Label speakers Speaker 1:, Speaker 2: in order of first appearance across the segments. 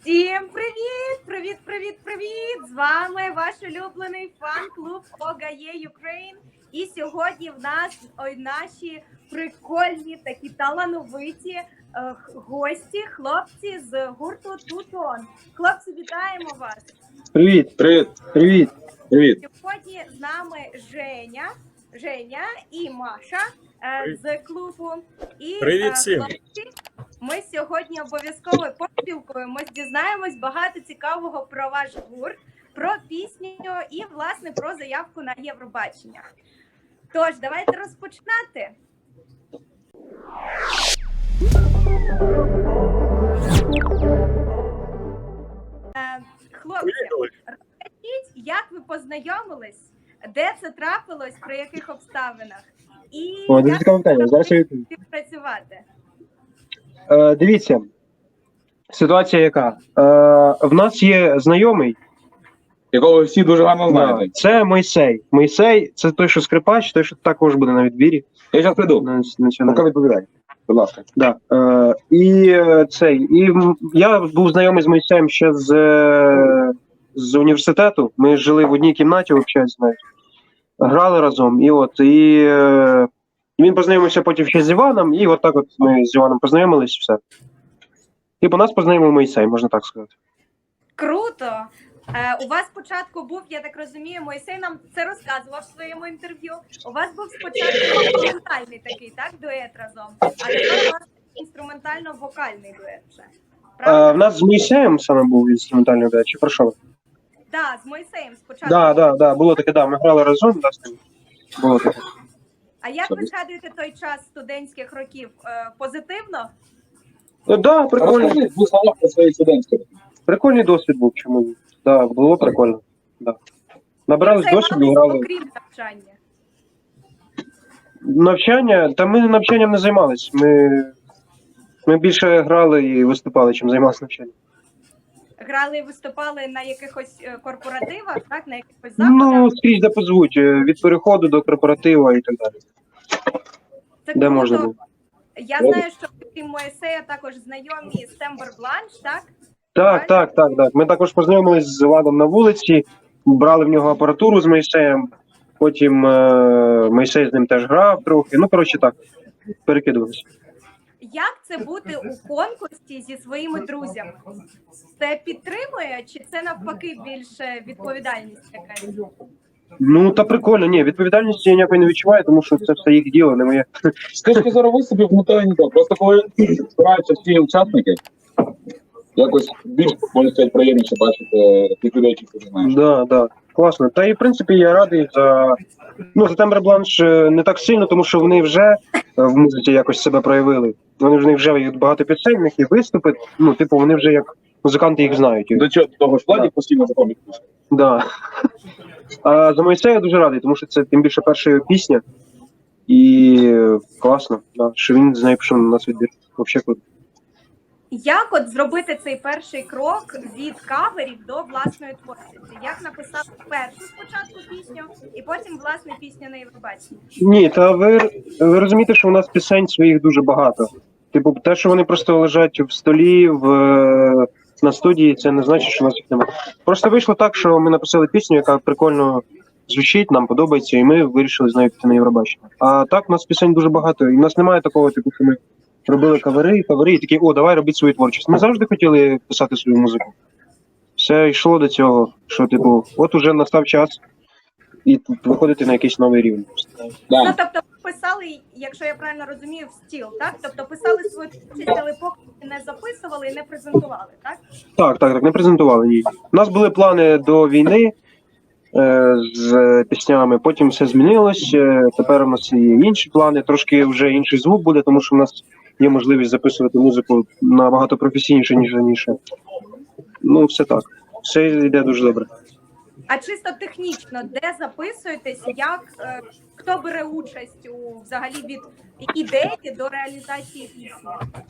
Speaker 1: Всім привіт! Привіт, привіт, привіт! З вами ваш улюблений фан-клуб ОГАЄ Ukraine. І сьогодні в нас наші прикольні, такі талановиті гості, хлопці з гурту Тутон. Хлопці, вітаємо вас!
Speaker 2: Привіт, привіт, привіт, привіт.
Speaker 1: Сьогодні з нами Женя і Маша з клубу. І
Speaker 3: Привіт всім!
Speaker 1: хлопці, ми сьогодні обов'язково поспілкуємось, дізнаємось багато цікавого про ваш гурт, про пісню і, власне, про заявку на Євробачення. Тож, давайте розпочинати. Хлопці, розкажіть, як ви познайомились, де це трапилось, при яких обставинах, і
Speaker 2: Дуже цікаве питання. Зараз я відповім.
Speaker 1: співпрацювати?
Speaker 2: Дивіться, ситуація яка? В нас є знайомий,
Speaker 3: Якого ви всі дуже гарно знаєте.
Speaker 2: це Мойсей. Мойсей – це той, що скрипач, той, що також буде на відбірі.
Speaker 3: Я зараз прийду. Поки відповідай. Будь ласка.
Speaker 2: Да. Я був знайомий з Мойсеєм ще з університету. Ми жили в одній кімнаті, взагалі, знаєте. Грали разом. І він познайомився потім ще з Іваном, і от так от ми з Іваном познайомились, все. І по нас познайомив Мойсей, можна так сказати.
Speaker 1: Круто! У вас спочатку був, я так розумію, Мойсей нам це розказував в своєму інтерв'ю. У вас був спочатку інструментальний такий, так, дует разом, а тепер у вас інструментально-вокальний дует вже.
Speaker 2: В нас з Мойсеєм саме був інструментальний дует, чи про що?
Speaker 1: Так, з Мойсеєм спочатку.
Speaker 2: Да, було таке, ми грали разом, да, з ним. Було таке.
Speaker 1: А як ви згадуєте той час студентських років? Позитивно?
Speaker 2: Да, прикольно.
Speaker 3: Розкажи дві слова про свої студентські.
Speaker 2: Прикольний досвід був, чому ні. Да, було прикольно. Да. Набрались досвіду, грали.
Speaker 1: Окрім навчання.
Speaker 2: Навчання? Та ми навчанням не займались. Ми більше грали і виступали, чим займалися навчанням.
Speaker 1: Грали і виступали на якихось корпоративах, так? На якихось заходах?
Speaker 2: Ну, скрізь де позвуть, від переходу до корпоратива і так далі.
Speaker 1: Це
Speaker 2: Де
Speaker 1: круто.
Speaker 2: можна було.
Speaker 1: Я знаю, що крім Мойсея також знайомі з Тембер Бланш, так?
Speaker 2: Так. Ми також познайомились з Владом на вулиці, брали в нього апаратуру з Мойсеєм, потім Мойсей з ним теж грав трохи. Ну, коротше так, перекидувалися.
Speaker 1: Як це бути у конкурсі зі своїми друзями? Це підтримує, чи це навпаки більше відповідальність якась?
Speaker 2: Ну, та прикольно, ні, відповідальності я ніякої не відчуваю, тому що це все їх діло, не моє.
Speaker 3: З точки зору виступів, не то і не то. Просто коли збираються всі учасники, якось більш, можна сказати, приємніше бачити тих людей, яких ти знаєш.
Speaker 2: Да, класно. Та і, в принципі, я радий за Тембер Бланш не так сильно, тому що вони вже в музиці якось себе проявили. Вони вже є багато пісень, в них і виступи, ну, типу, вони вже як музиканти їх знають.
Speaker 3: До чого того ж Владі постійно заходить.
Speaker 2: Да. А за Мойсея я дуже радий, тому що це тим більше перша його пісня. І класно, да, що він з нею пішов на нас відбір. Взагалі круто.
Speaker 1: Як от зробити цей перший крок від каверів до власної творчості? Як написати першу спочатку пісню і потім власне пісню на Євробаченні?
Speaker 2: Ні, та ви розумієте, що у нас пісень своїх дуже багато. Типу, те, що вони просто лежать в столі, на студії, це не значить, що у нас їх немає. Просто вийшло так, що ми написали пісню, яка прикольно звучить, нам подобається, і ми вирішили з нею піти на Євробачення. А так, у нас пісень дуже багато, і в нас немає такого, типу, що ми робили кавери, і такі, давай робити свою творчість. Ми завжди хотіли писати свою музику. Все йшло до цього, що, типу, от уже настав час і виходити на якийсь новий рівень.
Speaker 1: Ну, тобто ви писали, якщо я правильно розумію, в стіл, так? Тобто писали свою творчість, але поки не записували і не презентували, так?
Speaker 2: Так, не презентували її. У нас були плани до війни з піснями, потім все змінилось, тепер у нас є інші плани, трошки вже інший звук буде, тому що в нас є можливість записувати музику набагато професійніше, ніж раніше. Ну, все так. Все йде дуже добре.
Speaker 1: А чисто технічно, де записуєтесь, як, хто бере участь взагалі від ідеї до реалізації пісні?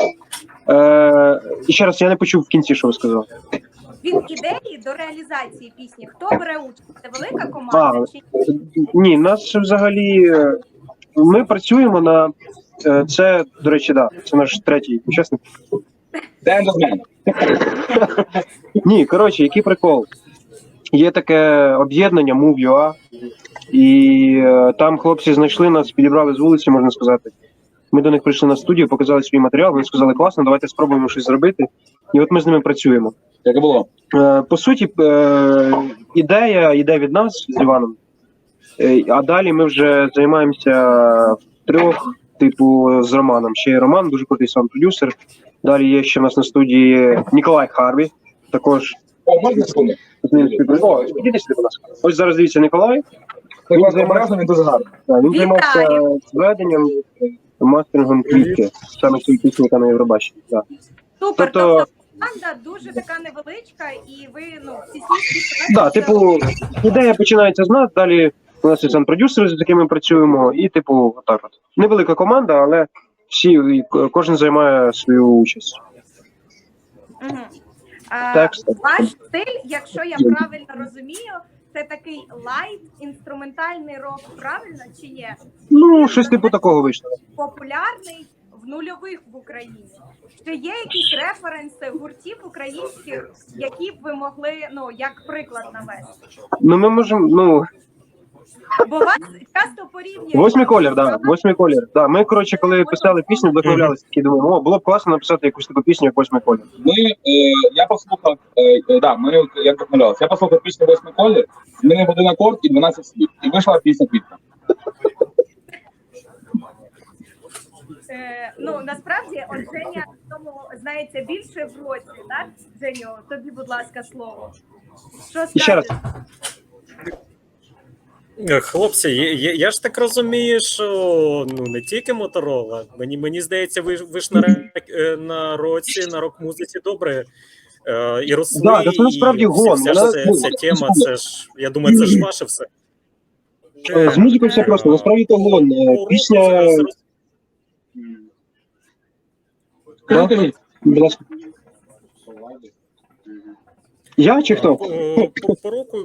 Speaker 2: І ще раз, я не почув в кінці, що ви сказали.
Speaker 1: Від ідеї до реалізації пісні, хто бере участь? Це велика команда?
Speaker 2: Ні, нас взагалі, ми працюємо на, це, до речі, це наш третій учасник. Ні, коротше, який прикол. Є таке об'єднання Move.ua, і там хлопці знайшли нас, підібрали з вулиці, можна сказати. Ми до них прийшли на студію, показали свій матеріал, вони сказали, класно, давайте спробуємо щось зробити. І от ми з ними працюємо.
Speaker 3: Як і було?
Speaker 2: По суті, ідея йде від нас з Іваном, а далі ми вже займаємося втрьох, типу, з Романом. Ще є Роман, дуже крутий саунд-продюсер. Далі є ще в нас на студії Ніколай Харві, також
Speaker 3: О, можна секунду?
Speaker 2: з ним співпрацював. О, підійди сюди, будь ласка. Ось зараз дивіться Ніколай.
Speaker 3: Ти класно обережно, він дуже гарний.
Speaker 2: Він займався зведенням, мастерингом квітки, саме цієї пісні, яка на Євробаченні. Так.
Speaker 1: Супер,
Speaker 2: Тобто-
Speaker 1: тобто команда дуже така невеличка, і ви, всі слідчі...
Speaker 2: Да, типу, ідея починається з нас, далі у нас є саунд-продюсери, з якими ми працюємо, і, типу, отак от. Невелика команда, але кожен займає свою участь.
Speaker 1: Угу.
Speaker 2: Текст.
Speaker 1: Ваш стиль, якщо я правильно розумію, це такий лайт, інструментальний рок, правильно чи ні?
Speaker 2: Ну, щось типу такого вийшло.
Speaker 1: Популярний в нульових в Україні. Чи є якісь референси гуртів українських, які б ви могли, як приклад навести?
Speaker 2: Ну, ми можемо,
Speaker 1: Бо вас часто порівнюють...
Speaker 2: восьмий колір, да, восьмий колір. Да, ми, коротше, коли писали пісню, вдохновлялися, такі думаємо, було б класно написати якусь таку пісню, як восьмий колір.
Speaker 3: Я послухав, як вдохновлялися. Я послухав пісню «Восьмий колір», змінив один акорд і 12 слів. І вийшла пісня «Квітка».
Speaker 1: Насправді, от Женя в тому знається більше в році, так? Женю, тобі, будь ласка, слово. Що
Speaker 2: І ще раз.
Speaker 1: скажеш?
Speaker 4: Хлопці, я ж так розумію, що не тільки Моторола. Мені здається, ви ж на році, на рок-музиці добре і росли.
Speaker 2: Да, це насправді гон.
Speaker 4: Ця тема, це ж, я думаю, це ж ваше все.
Speaker 2: З музикою все просто, насправді то гон. Пісня...
Speaker 3: Скажіть,
Speaker 2: Будь ласка. Я чи хто?
Speaker 4: По року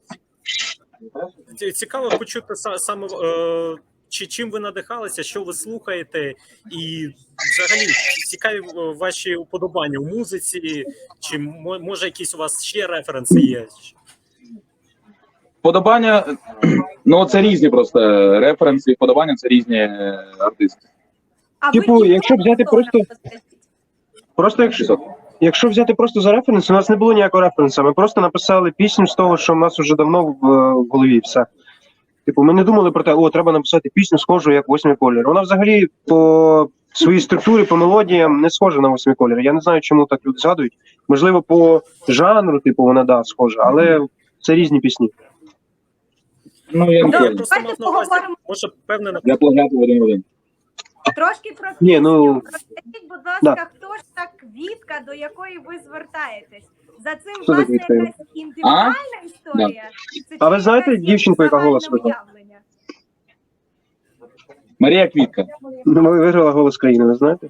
Speaker 4: цікаво почути саме, чим ви надихалися, що ви слухаєте, і взагалі цікаві ваші уподобання у музиці, чи може якісь у вас ще референси є?
Speaker 3: Вподобання, це різні просто референси, вподобання – це різні артисти.
Speaker 1: А
Speaker 2: Типу,
Speaker 1: ви
Speaker 2: якщо взяти просто якщо взяти просто за референс, у нас не було ніякого референсу. Ми просто написали пісню з того, що в нас вже давно в голові. Все. Типу, ми не думали про те, треба написати пісню схожу, як восьмий колір. Вона взагалі по своїй структурі, по мелодіям не схожа на восьмий колір. Я не знаю, чому так люди згадують. Можливо, по жанру, вона схожа, але це різні пісні.
Speaker 3: Я не
Speaker 1: Давайте
Speaker 4: Просто мав на увазі, може, певне...
Speaker 3: Я плагіатив один в один.
Speaker 1: Трошки про
Speaker 2: Ні,
Speaker 1: пісню. Розкажіть, будь ласка,
Speaker 2: да.
Speaker 1: хто ж та квітка, до якої ви звертаєтесь? За цим
Speaker 2: Хто за
Speaker 1: власне
Speaker 2: квіткою?
Speaker 1: якась індивідуальна історія? Це
Speaker 2: А ви
Speaker 1: чи
Speaker 2: знаєте
Speaker 1: якесь
Speaker 2: дівчинку, яка голос
Speaker 1: загальне
Speaker 2: видала?
Speaker 1: уявлення?
Speaker 3: Марія Квітка.
Speaker 2: Ми виграли «Голос країни», ви знаєте?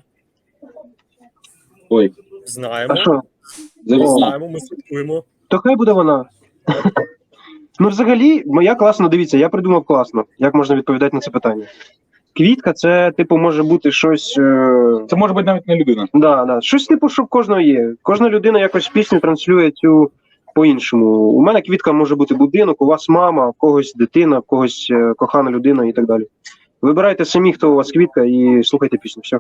Speaker 3: Ой,
Speaker 2: А що?
Speaker 4: Знаємо, ми слідкуємо.
Speaker 2: То хай буде вона. Взагалі, моя класно, дивіться, я придумав класно, як можна відповідати на це питання. Квітка, це, може бути щось...
Speaker 3: Це може бути навіть не людина.
Speaker 2: Да. Щось, що в кожного є. Кожна людина якось пісню транслює цю по-іншому. У мене квітка може бути будинок, у вас мама, у когось дитина, у когось кохана людина і так далі. Вибирайте самі, хто у вас квітка, і слухайте пісню. Все.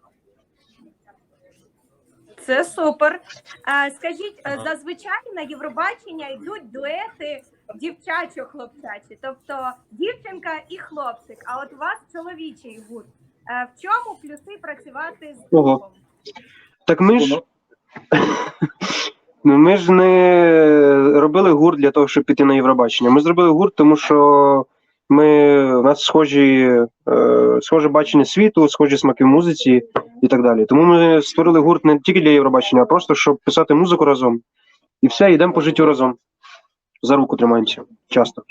Speaker 1: Це супер. Скажіть, зазвичай на Євробачення йдуть дуети дівчачо-хлопчачі, тобто дівчинка і хлопчик, а от у вас чоловічий гурт. В чому плюси працювати з
Speaker 2: Ого.
Speaker 1: другом?
Speaker 2: Так ми ж не робили гурт для того, щоб піти на Євробачення. Ми зробили гурт, тому що у нас схоже бачення світу, схожі смаки в музиці і так далі. Тому ми створили гурт не тільки для Євробачення, а просто щоб писати музику разом. І все, йдемо по життю разом. За руку тримаємося. Часто.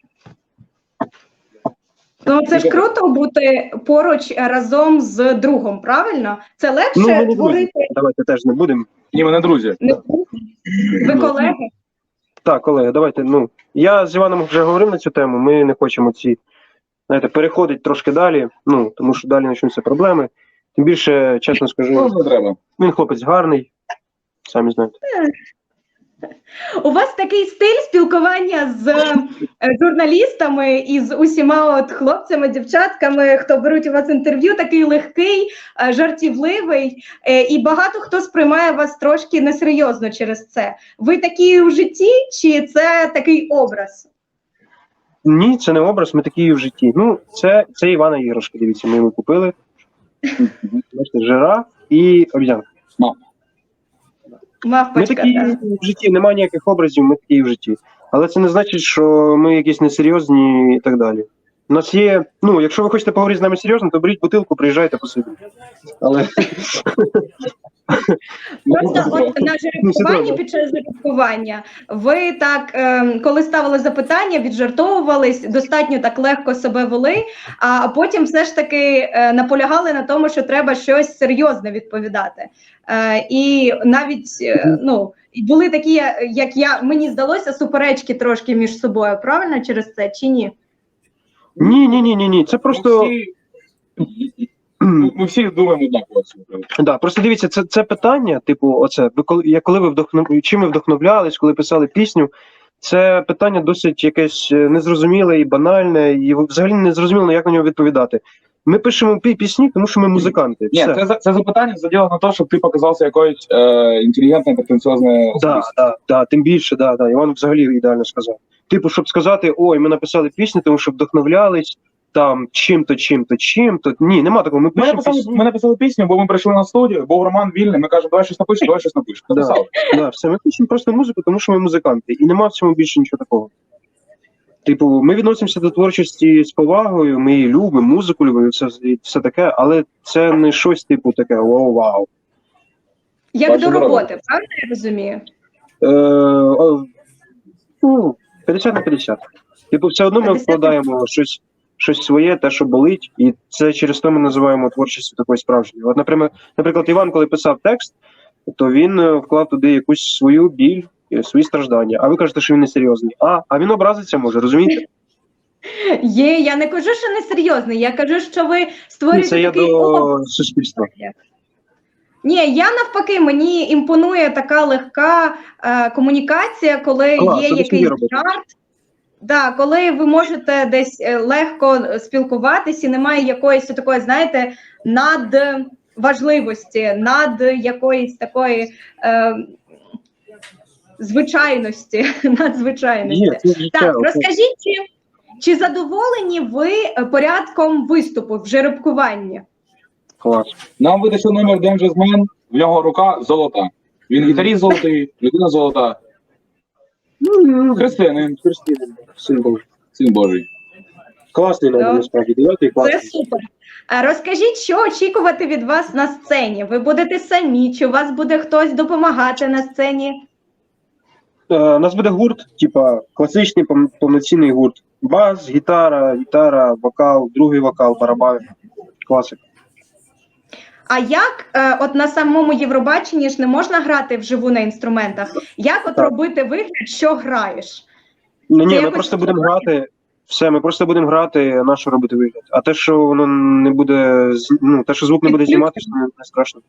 Speaker 5: Це ж круто бути поруч разом з другом, правильно? Це легше
Speaker 2: ми не друзі.
Speaker 5: творити.
Speaker 2: Давайте теж не будемо.
Speaker 3: Ні, ми не друзі.
Speaker 5: Ви колеги?
Speaker 2: Так, колеги, давайте. Я з Іваном вже говорив на цю тему. Ми не хочемо переходити трошки далі, тому що далі почнуться проблеми. Тим більше, чесно скажу,
Speaker 3: Не треба.
Speaker 2: він хлопець гарний. самі знаєте.
Speaker 5: У вас такий стиль спілкування з журналістами і з усіма от хлопцями, дівчатками, хто беруть у вас інтерв'ю, такий легкий, жартівливий, і багато хто сприймає вас трошки несерйозно через це. Ви такі у житті, чи це такий образ?
Speaker 2: Ні, це не образ, ми такі і в житті. Ну, це Івана іграшка, дивіться, ми йому купили. Бачите, жираф і обіцянка. Ми
Speaker 5: Мавпочка,
Speaker 2: такі
Speaker 5: так.
Speaker 2: в житті, немає ніяких образів, ми такі і в житті. Але це не значить, що ми якісь несерйозні і так далі. У нас є, ну, якщо ви хочете поговорити з нами серйозно, то беріть бутилку, приїжджайте посидіть. Але
Speaker 5: Просто от на жеребкуванні, під час жеребкування, ви так, коли ставили запитання, віджартовувались, достатньо так легко себе вели, а потім все ж таки наполягали на тому, що треба щось серйозне відповідати. І навіть, ну, були такі, мені здалося, суперечки трошки між собою, правильно, через це, чи ні?
Speaker 2: ні. Це просто.
Speaker 3: Ми всі думаємо однаково.
Speaker 2: Да, просто дивіться, це питання, типу, оце, коли ви чим ви вдохновлялись, коли писали пісню, це питання досить якесь незрозуміле і банальне, і взагалі не зрозуміло, як на нього відповідати. Ми пишемо пісні, тому що ми музиканти.
Speaker 3: Ні, це запитання заділо на те, щоб ти показався якоюсь інтелігентною, претенціозною особистістю.
Speaker 2: Да, тим більше, да. Іван взагалі ідеально сказав. Типу, щоб сказати, ой, ми написали пісню, тому що вдохновлялись, там, чим-то. Ні, нема такого.
Speaker 3: Ми написали пісню, бо ми прийшли на студію, був Роман вільний, ми кажемо, давай щось напишемо. Написали.
Speaker 2: Да, все, ми пишемо просто музику, тому що ми музиканти. І нема в цьому більше нічого такого. Типу, ми відносимося до творчості з повагою, ми її любимо, музику любимо, і все таке, але це не щось типу таке вау.
Speaker 5: Як до роботи, правильно я розумію?
Speaker 2: 50 на 50. Типу, все одно ми
Speaker 5: 50.
Speaker 2: вкладаємо щось своє, те, що болить, і це через то ми називаємо творчістю такою справжньою. От, наприклад, Іван, коли писав текст, то він вклав туди якусь свою біль, свої страждання. А ви кажете, що він несерйозний. А він образиться може, розумієте?
Speaker 5: Я не кажу, що несерйозний, я кажу, що ви створюєте
Speaker 2: Це я
Speaker 5: такий
Speaker 2: до
Speaker 5: образ.
Speaker 2: суспільства.
Speaker 5: Ні, я навпаки, мені імпонує така легка комунікація, коли є якийсь жарт. Да, коли ви можете десь легко спілкуватись і немає якоїсь такої, знаєте, надважливості, над якоїсь такої звичайності, надзвичайності. Так, розкажіть, чи задоволені ви порядком виступу в жеребкуванні?
Speaker 2: Клас.
Speaker 3: Нам видався номер Dangerous Man, в нього рука золота. Він гітаріст золотий, людина золота. Християнин, син Божий.
Speaker 2: Класний номер, насправді, 9-й класний.
Speaker 5: Це супер. Розкажіть, що очікувати від вас на сцені? Ви будете самі, чи у вас буде хтось допомагати на сцені?
Speaker 2: У нас буде гурт, типа класичний повноцінний гурт. Бас, гітара, вокал, другий вокал, барабан. Класика.
Speaker 5: А як от на самому Євробаченні ж не можна грати вживу на інструментах? Як от рробити вигляд, що граєш?
Speaker 2: Ну ні, ми просто будемо грати. Все, ми просто будемо грати, на що робити вигляд. А те, що воно не буде, ну, те, що звук не буде зніматися, не страшно.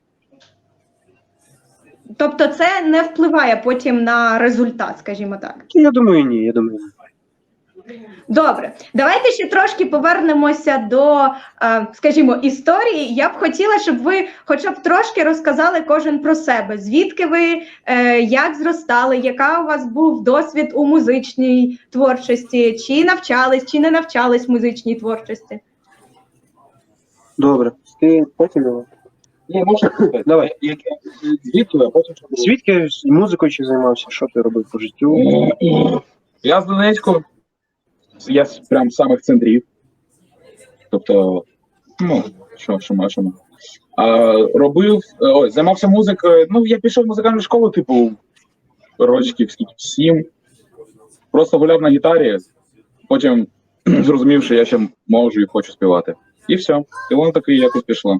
Speaker 5: Тобто це не впливає потім на результат, скажімо так?
Speaker 2: Я думаю, ні.
Speaker 5: Добре, давайте ще трошки повернемося до, скажімо, історії. Я б хотіла, щоб ви хоча б трошки розказали кожен про себе. Звідки ви, як зростали, яка у вас був досвід у музичній творчості, чи навчались, чи не навчались музичній творчості?
Speaker 2: Добре. Ти потім давай.
Speaker 3: Ні, можна сказати.
Speaker 2: Давай.
Speaker 3: Звідки, а потім що буде?
Speaker 2: Звідки музикою чи займався? Що ти робив по життю?
Speaker 3: Я з Донецьку. Я прям з самих центрів. Тобто, ну, що машемо. Займався музикою. Ну, я пішов в музикальну школу, типу, рочків 7. Просто гуляв на гітарі, потім зрозумів, що я ще можу і хочу співати. І все. І воно таки якось пішло.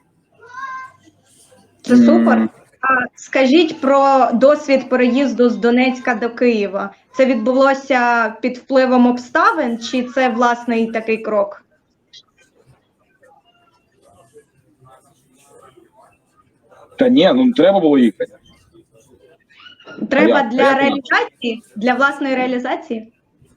Speaker 5: Це супер. Скажіть про досвід переїзду з Донецька до Києва. Це відбулося під впливом обставин, чи це власний такий крок?
Speaker 3: Та ні, ну треба було їхати.
Speaker 5: треба
Speaker 3: як?
Speaker 5: для
Speaker 3: А як
Speaker 5: реалізації, для власної реалізації?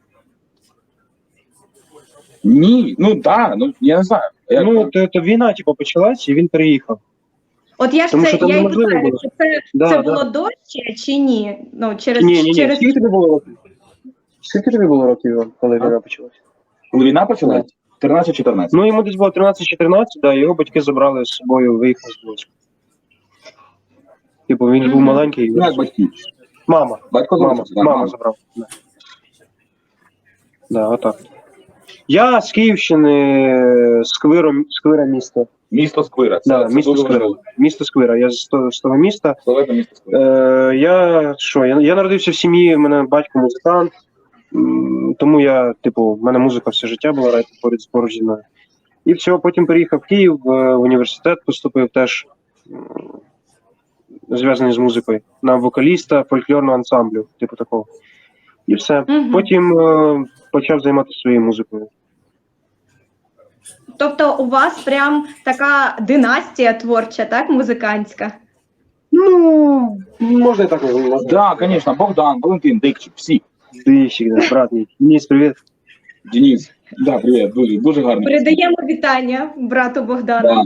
Speaker 3: Ні, ну так, ну я не знаю. Як?
Speaker 2: Ну, то війна, типу, почалась, і він переїхав.
Speaker 5: От я ж
Speaker 2: Тому
Speaker 5: це
Speaker 2: що там
Speaker 5: я і
Speaker 2: неможливо
Speaker 5: питаю,
Speaker 2: було.
Speaker 5: чи це,
Speaker 2: Да,
Speaker 5: це
Speaker 2: да.
Speaker 5: було дощ чи ні? Ну, через
Speaker 2: Ні.
Speaker 5: через
Speaker 2: Скільки тобі було років? Скільки тобі було років, Іван, коли війна почалась?
Speaker 3: Коли війна почалась? 13-14.
Speaker 2: Ну, йому десь було 13-14, да, його батьки забрали з собою, виїхав з Луцька. Типу, він ж був
Speaker 5: Мгм.
Speaker 2: маленький.
Speaker 3: Ну, як батьки?
Speaker 2: Мама.
Speaker 3: Батько залишився, так,
Speaker 2: Мама забрала. Да. Да, отак. Я з Київщини, Сквира міста.
Speaker 3: Місто Сквира.
Speaker 2: Да, місто
Speaker 3: дуже
Speaker 2: Сквира.
Speaker 3: важливо.
Speaker 2: Місто Сквира. Я з того міста.
Speaker 3: Славетне місто Сквира.
Speaker 2: Я народився в сім'ї, в мене батько музикант, тому я, типу, в мене музика все життя була поруч зі мною. І все, потім переїхав в Київ, в університет поступив теж зв'язаний з музикою, на вокаліста фольклорного ансамблю, типу такого. І все.
Speaker 5: Мгм.
Speaker 2: Потім почав займатися своєю музикою.
Speaker 5: Тобто у вас прям така династія творча, так, музикантська?
Speaker 2: Ну, можна і так назвати.
Speaker 3: Так, звісно, Богдан, Валентин, Дикчик, всі.
Speaker 2: Дищик, да, брат мій. Денис, привіт.
Speaker 3: Денис. Да, привіт, дуже, дуже гарно.
Speaker 5: Передаємо вітання брату Богдану.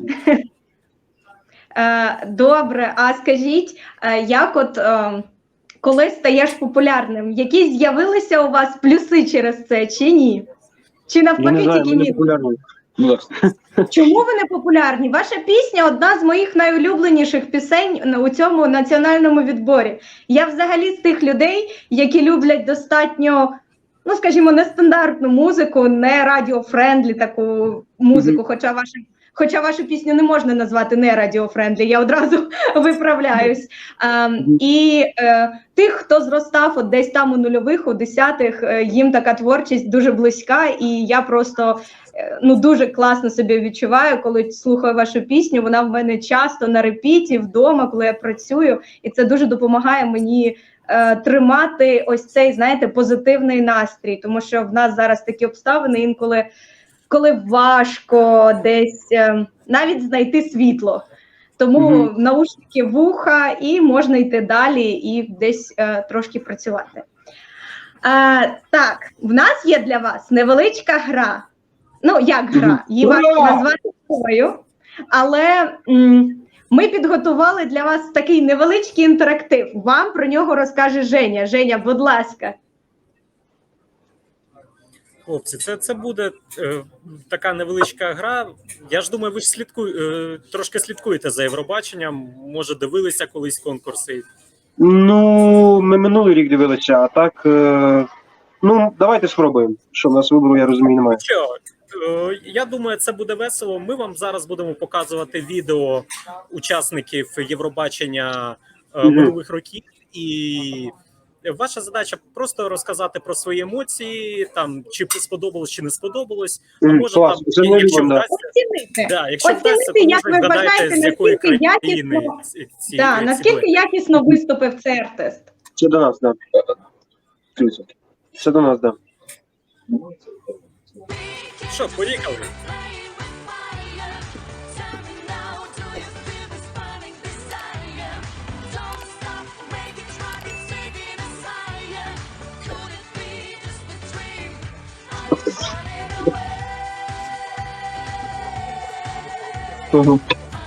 Speaker 5: Добре, а скажіть, як от коли стаєш популярним, які з'явилися у вас плюси через це чи ні? Чи
Speaker 2: Я не
Speaker 5: навпаки
Speaker 2: знаю,
Speaker 5: тільки
Speaker 2: ми не
Speaker 5: ні?
Speaker 2: популярні.
Speaker 3: Ну, так.
Speaker 5: Чому ви не популярні? Ваша пісня одна з моїх найулюбленіших пісень у цьому національному відборі. Я взагалі з тих людей, які люблять достатньо, ну скажімо, нестандартну музику, не радіофрендлі таку музику, хоча вашу пісню не можна назвати не радіофрендлі, я одразу виправляюсь. І тих, хто зростав от десь там у нульових, у десятих, їм така творчість дуже близька, і я просто дуже класно себе відчуваю, коли слухаю вашу пісню. Вона в мене часто на репіті, вдома, коли я працюю, і це дуже допомагає мені тримати ось цей, знаєте, позитивний настрій, тому що в нас зараз такі обставини інколи, коли важко десь навіть знайти світло. Тому наушники вуха, і можна йти далі і десь трошки працювати. Так, в нас є для вас невеличка гра. Ну, як гра? Її важко назвати грою, але ми підготували для вас такий невеличкий інтерактив. Вам про нього розкаже Женя. Женя, будь ласка.
Speaker 4: Хлопці, це буде така невеличка гра. Я ж думаю, ви ж трошки слідкуєте за Євробаченням, може дивилися колись конкурси.
Speaker 2: Ну, ми минулий рік дивилися, а так. Ну, давайте спробуємо. Що в нас вибору, я розумію, немає.
Speaker 4: Що? Я думаю, це буде весело. Ми вам зараз будемо показувати відео учасників Євробачення минулих років, і ваша задача просто розказати про свої емоції, там чи сподобалось, чи не сподобалось. А може
Speaker 2: клас,
Speaker 4: там,
Speaker 2: це ми
Speaker 4: якщо
Speaker 2: любимо, да.
Speaker 5: Оцінити.
Speaker 4: да, якщо
Speaker 5: Оцінити,
Speaker 4: вдасться, то
Speaker 5: як
Speaker 4: може
Speaker 5: ви
Speaker 4: вгадайте,
Speaker 5: вважаєте,
Speaker 4: з якої
Speaker 5: наскільки
Speaker 4: країни
Speaker 5: якісно,
Speaker 4: ці
Speaker 5: наскільки якісно виступив цей артист?
Speaker 2: Це до нас, так. Да. Це до нас, так. Да.
Speaker 4: Що, поїхали?
Speaker 2: Угу.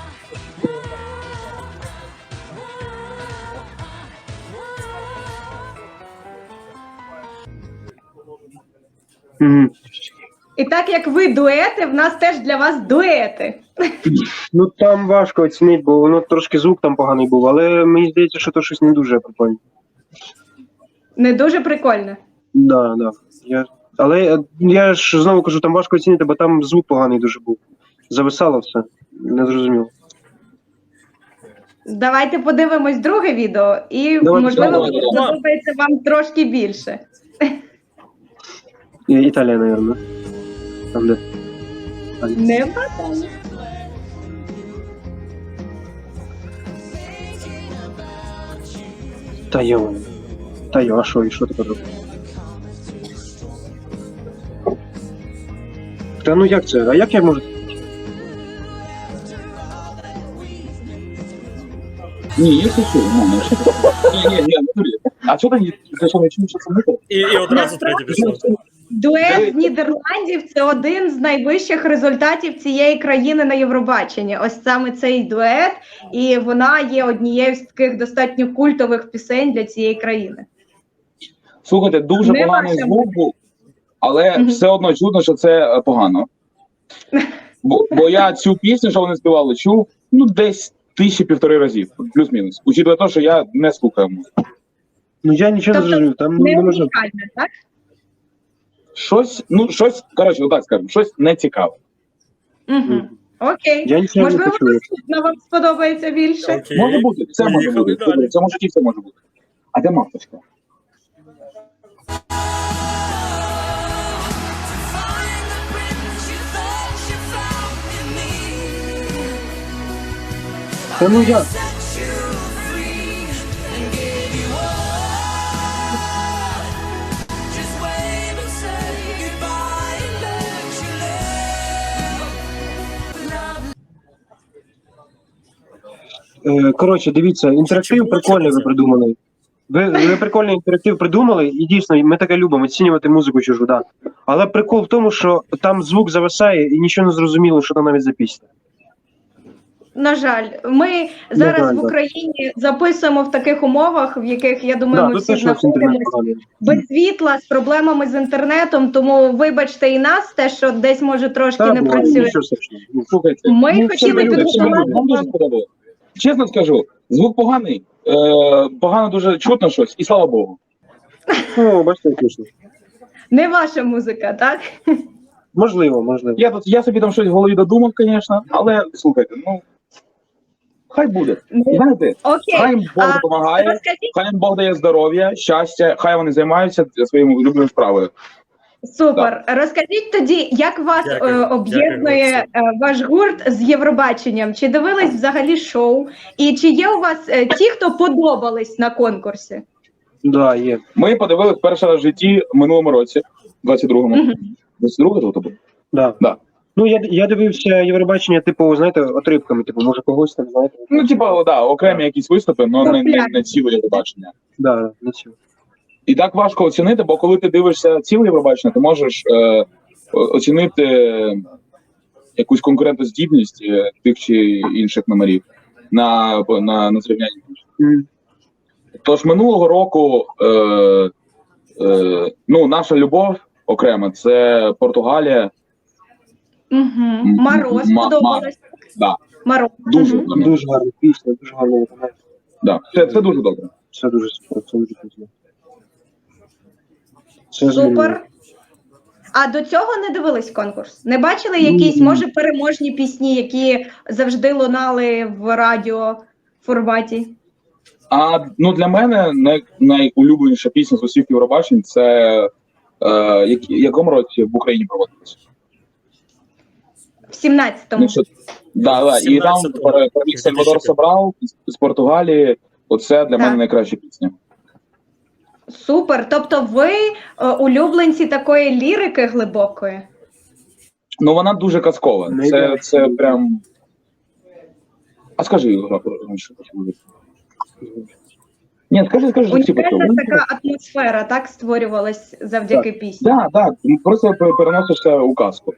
Speaker 2: Угу.
Speaker 5: І так як ви дуети, в нас теж для вас дуети.
Speaker 2: Ну там важко оцінити, бо воно трошки звук там поганий був, але мені здається, що то щось не дуже прикольне.
Speaker 5: Не дуже прикольно.
Speaker 2: Да, да. Але я ж знову кажу, там важко оцінити, бо там звук поганий дуже був. Зависало все. Не зрозуміло.
Speaker 5: Давайте подивимось друге відео, і
Speaker 2: Давайте,
Speaker 5: можливо
Speaker 3: давайте.
Speaker 5: подобається вам трошки більше.
Speaker 2: Італія, мабуть. Там де.
Speaker 5: Не падає.
Speaker 2: Та йо, а що, і що ти робиш? Та ну як це? А як я можу?
Speaker 3: Ні, я шучу. Ні, не турі. А що ти не чув, що це мити?
Speaker 4: І одразу третє пішло.
Speaker 5: Дует з Нідерландів – це один з найвищих результатів цієї країни на Євробаченні. Ось саме цей дует, і вона є однією з таких достатньо культових пісень для цієї країни.
Speaker 3: Слухайте, дуже
Speaker 5: Не
Speaker 3: поганий
Speaker 5: ваша
Speaker 3: звук був, але все одно чудно, що це погано. Бо я цю пісню, що вони співали, чув, десь 1000-1,5 разів, плюс-мінус. Учитывая те, що я не слухаю музику.
Speaker 2: Ну я нічого не
Speaker 5: Тобто
Speaker 2: зрозумів, там
Speaker 5: Не
Speaker 2: не можна.
Speaker 5: унікальне, так?
Speaker 3: Щось, коротше, отак скажемо, щось не цікаве.
Speaker 5: Угу. Окей.
Speaker 2: Я нічого не
Speaker 5: Можливо,
Speaker 2: почув.
Speaker 5: наступна вам сподобається більше.
Speaker 4: Окей.
Speaker 3: Може бути, все може
Speaker 4: Поїхали
Speaker 3: бути.
Speaker 4: далі.
Speaker 3: В цьому житті все може бути. А де мавпочка?
Speaker 6: Find the prince you thought you found in me.
Speaker 2: Та ну як?
Speaker 6: Set you free and gave you all. Just wave and say goodbye and let you live.
Speaker 2: Коротше, дивіться, інтерактив прикольний ви придумали. Ви прикольний інтерактив придумали, і дійсно, ми таке любимо, оцінювати музику чужу, да. Але прикол в тому, що там звук зависає і нічого не зрозуміло, що там навіть за пісня.
Speaker 5: На жаль, ми зараз
Speaker 2: жаль,
Speaker 5: в
Speaker 2: так.
Speaker 5: Україні записуємо в таких умовах, в яких, я думаю,
Speaker 2: Да,
Speaker 5: ми
Speaker 2: тут
Speaker 5: всі
Speaker 2: теж ось інтернет
Speaker 5: знаходимося.
Speaker 2: поганий.
Speaker 5: Без світла, з проблемами з інтернетом, тому вибачте і нас, те, що десь може трошки
Speaker 2: Та,
Speaker 5: не
Speaker 2: буває,
Speaker 5: працює.
Speaker 2: нічого страшного.
Speaker 3: Слухайте,
Speaker 5: Ми
Speaker 3: все
Speaker 5: хотіли
Speaker 3: люди,
Speaker 5: підготувати
Speaker 3: вам дуже сподобалось. Чесно скажу, звук поганий, погано дуже чутно щось, і слава Богу.
Speaker 2: О, бачите, точно.
Speaker 5: не ваша музика, так?
Speaker 2: Можливо.
Speaker 3: Я собі там щось в голові додумав, звісно, але слухайте, хай буде. Знаєте,
Speaker 5: Окей.
Speaker 3: хай їм Бог допомагає,
Speaker 5: Розкажіть,
Speaker 3: хай їм Бог дає здоров'я, щастя, хай вони займаються своєю улюбленою справою.
Speaker 5: супер. Розкажіть тоді, як вас
Speaker 4: Дякую.
Speaker 5: об'єднує ваш гурт з Євробаченням? Чи дивились взагалі шоу? І чи є у вас ті, хто подобались на конкурсі?
Speaker 2: Да, є.
Speaker 3: Ми подивилися перший раз в житті в минулому році, 22-му. 22-го то був?
Speaker 2: Да.
Speaker 3: Да.
Speaker 2: Ну, я дивився Євробачення, типу, знаєте, отрибками, типу, може когось там, знаєте.
Speaker 3: Ну, типа, да, окремі якісь виступи, але не ціле Євробачення.
Speaker 2: Да, не цього.
Speaker 3: І так важко оцінити, бо коли ти дивишся ціле Євробачення, ти можеш оцінити якусь конкурентоздібність тих чи інших номерів на зрівнянні. Тож минулого року наша любов окремо це Португалія.
Speaker 5: Угу. Мороз подобалось.
Speaker 3: Да,
Speaker 5: Мороз.
Speaker 3: дуже
Speaker 5: Мгм.
Speaker 3: гарно.
Speaker 2: Дуже гарна пісня, дуже гарна виконання.
Speaker 3: Да. Це дуже добре.
Speaker 2: Все дуже супер, це дуже круто. Це змінює.
Speaker 5: Супер. А до цього не дивились конкурс? Не бачили якісь, може, переможні пісні, які завжди лунали в радіоформаті?
Speaker 3: Для мене найулюбленіша пісня з усіх Євробачень це якому році в Україні проводилася?
Speaker 5: В 17-му.
Speaker 3: Да. І там
Speaker 4: 17-му.
Speaker 3: переміг Сальвадор Собрал з Португалії. Оце для мене найкраща пісня.
Speaker 5: Супер. Тобто ви улюбленці такої лірики глибокої?
Speaker 3: Ну вона дуже казкова. Це прям. А скажи, що почули. Ні, скажи, що всі почули.
Speaker 5: Унікальна така атмосфера, так, створювалась завдяки пісні?
Speaker 3: Так. Просто переносишся у казку.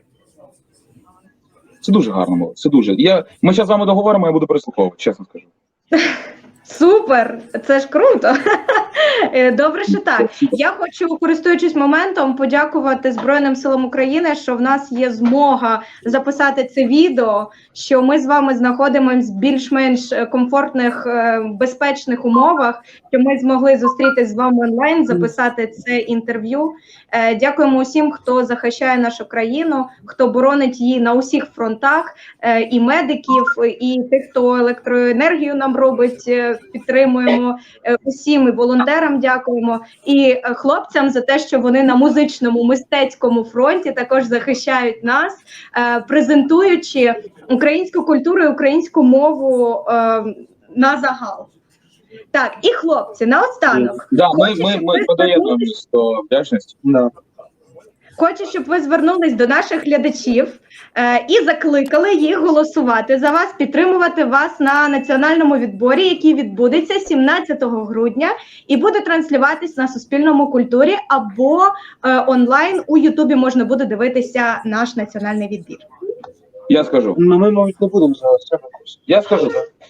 Speaker 3: Це дуже гарно було. Це дуже. Ми зараз з вами договоримо, я буду прислуховувати, чесно скажу.
Speaker 5: Супер! Це ж круто! Добре, що так. Я хочу, користуючись моментом, подякувати Збройним силам України, що в нас є змога записати це відео, що ми з вами знаходимося в більш-менш комфортних, безпечних умовах, що ми змогли зустрітися з вами онлайн, записати це інтерв'ю. Дякуємо усім, хто захищає нашу країну, хто боронить її на усіх фронтах, і медиків, і тих, хто електроенергію нам робить, підтримуємо, усім і волонтерам дякуємо, і хлопцям за те, що вони на музичному, мистецькому фронті також захищають нас, презентуючи українську культуру і українську мову на загал. Так, і хлопці, наостанок.
Speaker 3: Да, ми подаємось до вдячності.
Speaker 2: Да.
Speaker 5: хочу, щоб ви звернулись до наших глядачів і закликали їх голосувати за вас, підтримувати вас на національному відборі, який відбудеться 17 грудня і буде транслюватись на Суспільному культурі або онлайн у Ютубі можна буде дивитися наш національний відбір.
Speaker 3: Я скажу.
Speaker 2: Ну, ми, мабуть, не будемо зараз.
Speaker 3: Я скажу.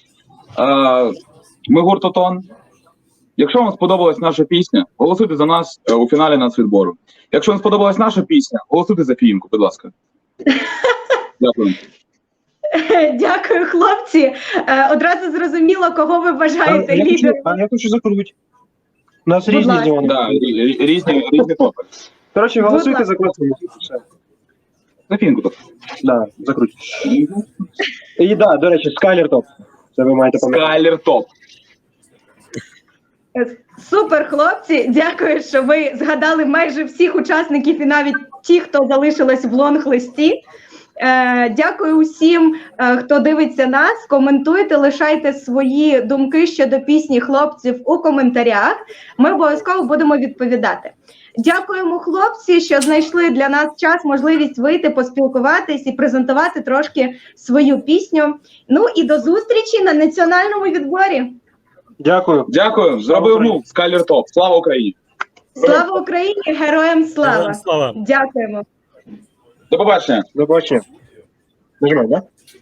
Speaker 3: Ми гурт «Отон». Якщо вам сподобалась наша пісня, голосуйте за нас у фіналі нацвідбору. Якщо вам сподобалась наша пісня, голосуйте за Фіїнку, будь ласка. Дякую.
Speaker 5: Дякую, хлопці. Одразу зрозуміло, кого ви вважаєте лідером.
Speaker 2: Я хочу закрутити. У нас
Speaker 5: Будь
Speaker 2: різні
Speaker 5: ласка.
Speaker 2: зони.
Speaker 3: Да, різні топи.
Speaker 2: Коротше,
Speaker 5: Будь
Speaker 2: голосуйте
Speaker 5: ласка.
Speaker 2: за класну музику. Все.
Speaker 3: За Фіїнку топ.
Speaker 2: Да, закрутіть. І да, до речі, Скайлер топ. Це ви маєте пам'ятати.
Speaker 3: Скайлер топ.
Speaker 5: Супер, хлопці. Дякую, що ви згадали майже всіх учасників і навіть ті, хто залишились в лонг-листі. Дякую усім, хто дивиться нас. Коментуйте, лишайте свої думки щодо пісні хлопців у коментарях. Ми обов'язково будемо відповідати. Дякуємо, хлопці, що знайшли для нас час, можливість вийти, поспілкуватись і презентувати трошки свою пісню. Ну і до зустрічі на національному відборі.
Speaker 2: Дякую.
Speaker 3: Дякую. Зробив мув. Скайлер топ. Слава Україні.
Speaker 5: Слава Україні! Героям слава!
Speaker 4: Героям слава!
Speaker 5: Дякуємо.
Speaker 3: До побачення.
Speaker 2: До побачення. Нажимай, да?